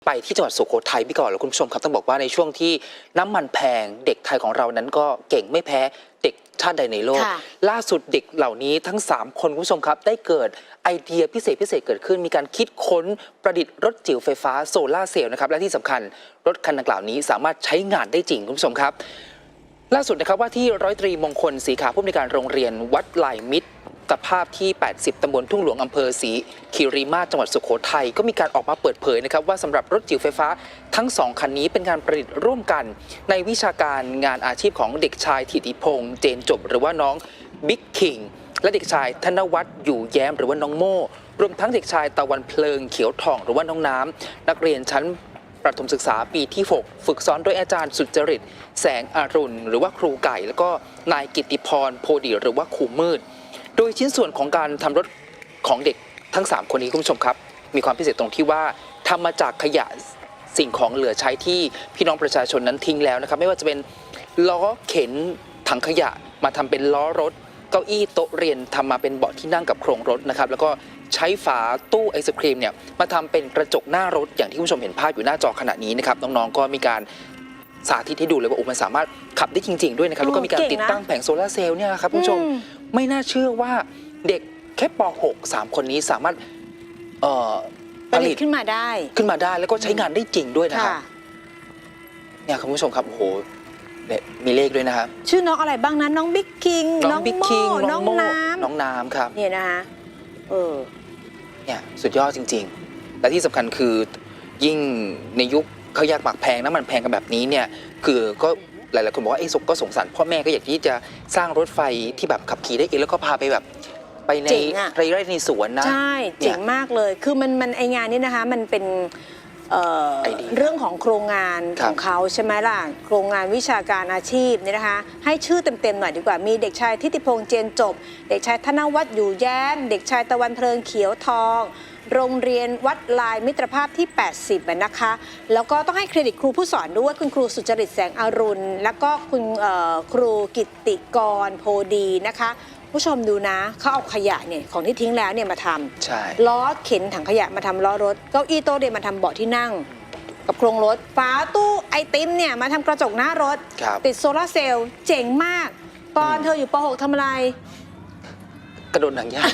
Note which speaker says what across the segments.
Speaker 1: ไปที่จังหวัดสุโขทัยพี่ก่อนแล้วคุณผู้ชมครับต้องบอกว่าในช่วงที่น้ำมันแพงเด็กไทยของเรานั้นก็เก่งไม่แพ้เด็กชาติใดในโลกล่าสุดเด็กเหล่านี้ทั้ง3คนคุณผู้ชมครับได้เกิดไอเดียพิเศษเกิดขึ้นมีการคิดค้นประดิษฐ์รถจิ๋วไฟฟ้าโซลาร์เซลล์นะครับและที่สำคัญรถคันดังกล่าวนี้สามารถใช้งานได้จริงคุณผู้ชมครับล่าสุดนะครับว่าที่ร้อยตรีมงคลศรีขาวผู้อำนวยการโรงเรียนวัดลายมิตรภาพที่ 80 ตำบลทุ่งหลวงอำเภอศรีคีรีมาศจังหวัดสุโขทัยก็มีการออกมาเปิดเผยนะครับว่าสำหรับรถจิ๋วไฟฟ้าทั้ง2คันนี้เป็นการประดิษฐ์ร่วมกันในวิชาการงานอาชีพของเด็กชายถิติพงษ์เจนจบหรือว่าน้องบิ๊กคิงและเด็กชายธนวัฒน์อยู่แย้มหรือว่าน้องโม่รวมทั้งเด็กชายตะวันเพลิงเขียวทองหรือว่าน้องน้ำนักเรียนชั้นประถมศึกษาปีที่ 6 ฝึกสอนโดยอาจารย์สุจริตแสงอรุณหรือว่าครูไก่แล้วก็นายกิตติพรโพดีหรือว่าครูมืดโดยชิ้นส่วนของการทำรถของเด็กทั้ง3คนนี้คุณผู้ชมครับมีความพิเศษตรงที่ว่าทำมาจากขยะสิ่งของเหลือใช้ที่พี่น้องประชาชนนั้นทิ้งแล้วนะครับไม่ว่าจะเป็นล้อเข็นถังขยะมาทำเป็นล้อรถเก้าอี้โต๊ะเรียนทำมาเป็นเบาะที่นั่งกับโครงรถนะครับแล้วก็ใช้ฝาตู้ไอศครีมเนี่ยมาทำเป็นกระจกหน้ารถอย่างที่คุณผู้ชมเห็นภาพอยู่หน้าจอขณะนี้นะครับน้องๆก็มีการสาธิตให้ดูเลยว่ามันสามารถขับได้จริงๆด้วยนะครับแล้วก็มีการติดตั้งแผงโซลาร์เซลล์เนี่ยครับคุณผู้ชมไม่น่าเชื่อว่าเด็กแค่ป .6 3 คนนี้สามารถผลิตขึ้นมาได้แล้วก็ใช้งานได้จริงด้วยนะครับเนี่ยคุณผู้ชมครับโอ้โหมีเลขด้วยนะครับ
Speaker 2: ชื่อน้องอะไรบ้างนะน้องบิ๊กคิงน้องโม่น้อง
Speaker 1: น้ำครับ
Speaker 2: เนี่ยนะคะ
Speaker 1: เนี่ยสุดยอดจริงๆและที่สำคัญคือยิ่งในยุคเขายากหมากแพงน้ำมันแพงกันแบบนี้เนี่ยคือก็หลายๆคนบอกว่าไอ้ก็สงสารพ่อแม่ก็อยากที่จะสร้างรถไฟที่แบบขับขี่ได้เองแล้วก็พาไปแบบไปในไร่ในสวนนะ
Speaker 2: ใช่เจ๋งมากเลยคือมันไองานนี้นะคะมันเป็นเรื่องของโครงงานของเขาใช่ไหมล่ะโครงงานวิชาการอาชีพเนี่ยนะคะให้ชื่อเต็มๆหน่อยดีกว่ามีเด็กชายทิติพงษ์เจนจบเด็กชายธนวัฒน์อยู่แย้มเด็กชายตะวันเพลิงเขียวทองโรงเรียนวัดลายมิตรภาพที่ 80 นะคะแล้วก็ต้องให้เครดิตครูผู้สอนด้วยคุณครูสุจริตแสงอรุณแล้วก็คุณครูกิตติกรโพดีนะคะผู้ชมดูนะเขาเอาขยะเนี่ยของที่ทิ้งแล้วเนี่ยมาทำล้อเข็นถังขยะมาทำล้อรถเก้าอี้โต๊ะเรียนมาทำเบาะที่นั่งกับโครงรถฝาตู้ไอติมเนี่ยมาทำกระจกหน้ารถติดโซลาร์เซลล์เจ๋งมากตอนเธออยู่ป .6 ทำอะไร
Speaker 1: กระโดดหนังยาง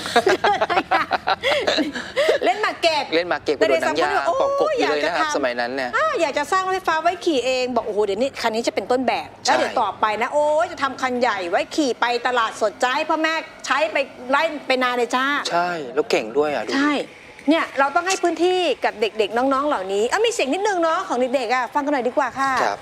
Speaker 2: เล่นหมากเก็บ
Speaker 1: กระโดดหนังยางปอกกบอยู่เลยนะครับสมัยนั้นเนี่ย
Speaker 2: อยากจะสร้างรถไฟฟ้าไว้ขี่เองบอกโอ้โหเดี๋ยวนี้คันนี้จะเป็นต้นแบบแล้วเดี๋ยวต่อไปนะโอ้ยจะทำคันใหญ่ไว้ขี่ไปตลาดสดใจพ่อแม่ใช้ไปไล่ไปนาเลยจ้า
Speaker 1: ใช่แล้วเก่งด้วยอ่ะ
Speaker 2: ใช่เนี่ยเราต้องให้พื้นที่กับเด็กๆน้องๆเหล่านี้มีเสียงนิดนึงเนาะของเด็กๆฟังกันหน่อยดีกว่าค่ะ
Speaker 1: ครับ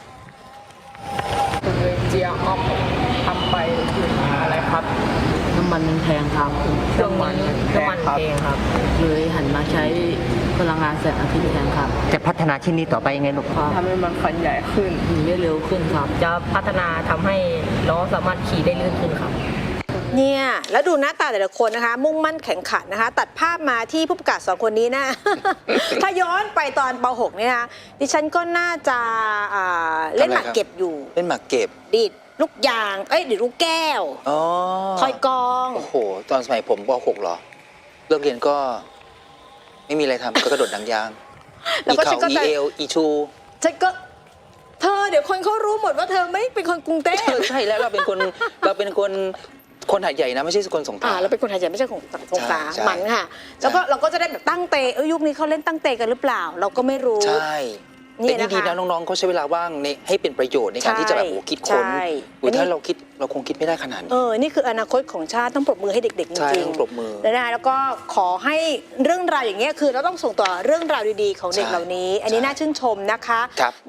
Speaker 3: เจียออฟทำไปอะไรครับ
Speaker 4: น้ำมันแพงครับ
Speaker 3: น้ำมันแพงครับ
Speaker 4: เลยหันมาใช้พลังงานแสงอาทิตย์แทนครับ
Speaker 5: จะพัฒนาชิ้นนี้ต่อไปยังไงลูก
Speaker 3: ทำให้มันคันใหญ่ขึ้น
Speaker 4: ได้เร็วขึ้นครับ
Speaker 3: จะพัฒนาทำให้ล้อสามารถขี่ได้ลื่นขึ้นครับ
Speaker 2: เนี่ยแล้วดูหน้าตาแต่ละคนนะคะมุ่งมั่นแข็งขันนะคะตัดภาพมาที่ผู้ประกาศ2คนนี้นะ ถ้าย้อนไปตอนป .6 เนี่ยนะดิฉันก็น่าจะเล่นหมากเก็บอยู่
Speaker 1: เล่นหมากเก็บ
Speaker 2: ดีดลูกยางดีดลูกแก้วทอยกอง
Speaker 1: โอ้โหตอนสมัยผมป .6 เหรอเลิกเรียนก็ไม่มีอะไรทำก็กระโดดหนังยาง
Speaker 2: แล้วก็ฉันก็
Speaker 1: เอลอีชู
Speaker 2: ฉันก็เธอเดี๋ยวคนเขารู้หมดว่าเธอไม่เป็นคนกรุงเทพ
Speaker 1: ใช่แล้วเราเป็นคนหาดใหญ่นะไม่ใช่คนสงขลา
Speaker 2: เราเป็นคนหาดใหญ่ไม่ใช่คนสงขลาหมันค่ะแล้วก็เราก็จะได้แบบตั้งเตะยุคนี้เขาเล่นตั้งเตะกันหรือเปล่าเราก็ไม่รู้
Speaker 1: ใช่แต่นี่ดีนะน้องๆเขาใช้เวลาว่างให้เป็นประโยชน์ในการที่จะแบบคิดค้นถ้าเราคงคิดไม่ได้ขนาดนี้
Speaker 2: นี่คืออนาคตของชาติต้องปรบมือให้เด็กๆจริง
Speaker 1: ๆปรบมือ
Speaker 2: แล้วก็ขอให้เรื่องราวอย่างเงี้ยคือเราต้องส่งต่อเรื่องราวดีๆของเด็กเหล่านี้อันนี้น่าชื่นชมนะคะ